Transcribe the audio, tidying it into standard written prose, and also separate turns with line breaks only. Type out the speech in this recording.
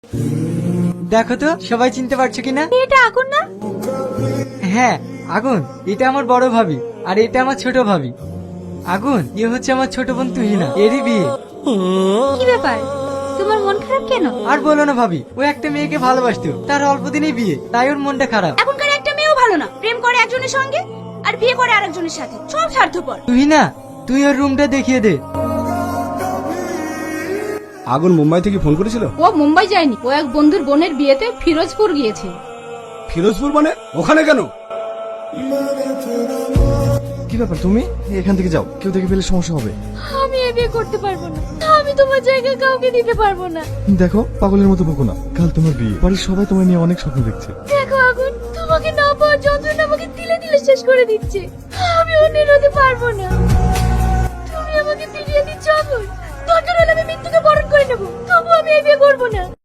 দেখো তো সবাই চিনতে পারছো কিনা?
এটা আগুন না?
হ্যাঁ আগুন, এটা আমার বড় ভাবি আর এটা আমার ছোট ভাবি। আগুন হচ্ছে আমার ছোট বোন তুহিনা, এরই বিয়ে।
কি ব্যাপার, তোমার মন খারাপ কেন?
আর বলো না ভাবি, ও একটা মেয়েকে ভালোবাসতো, তার অল্প দিনেই বিয়ে, তাই ওর মনটা খারাপ।
এখনকার একটা মেয়েও ভালো না, প্রেম করে একজনের সঙ্গে আর বিয়ে করে আরেকজনের সাথে, সব স্বার্থপর।
তুহিনা, তুই ওর রুমটা দেখিয়ে দে।
আগুন মুম্বাই থেকে ফোন করেছিল?
ও মুম্বাই যায়নি, ও এক বন্ধুর বোনের বিয়েতে ফিরোজপুর গিয়েছে।
ফিরোজপুর মানে? ওখানে কেন?
কি ব্যাপার, তুমি এখান থেকে যাও, কেউ দেখে ফেলে সমস্যা হবে।
আমি এ বিয়ে করতে পারবো না, আমি তোমার জায়গায় কাউকে দিতে পারবো না।
দেখো, পাগলের মতো বকো না, কাল তোমার বিয়ে, বাড়ির সবাই তোমায় নিয়ে অনেক স্বপ্ন দেখছে।
দেখো আগুন, তোমাকে না পাওয়ার যন্ত্রণা আমাকে তিলে তিলে শেষ করে দিচ্ছে, আমি অন্যের হতে পারবো না। তুমি আমাকে ফিরিয়ে দিচ্ছ আগুন, দরকার হলে আমি মৃত্যুকে বরণ করে নেবো, তবু আমি এই বিয়ে করবো না।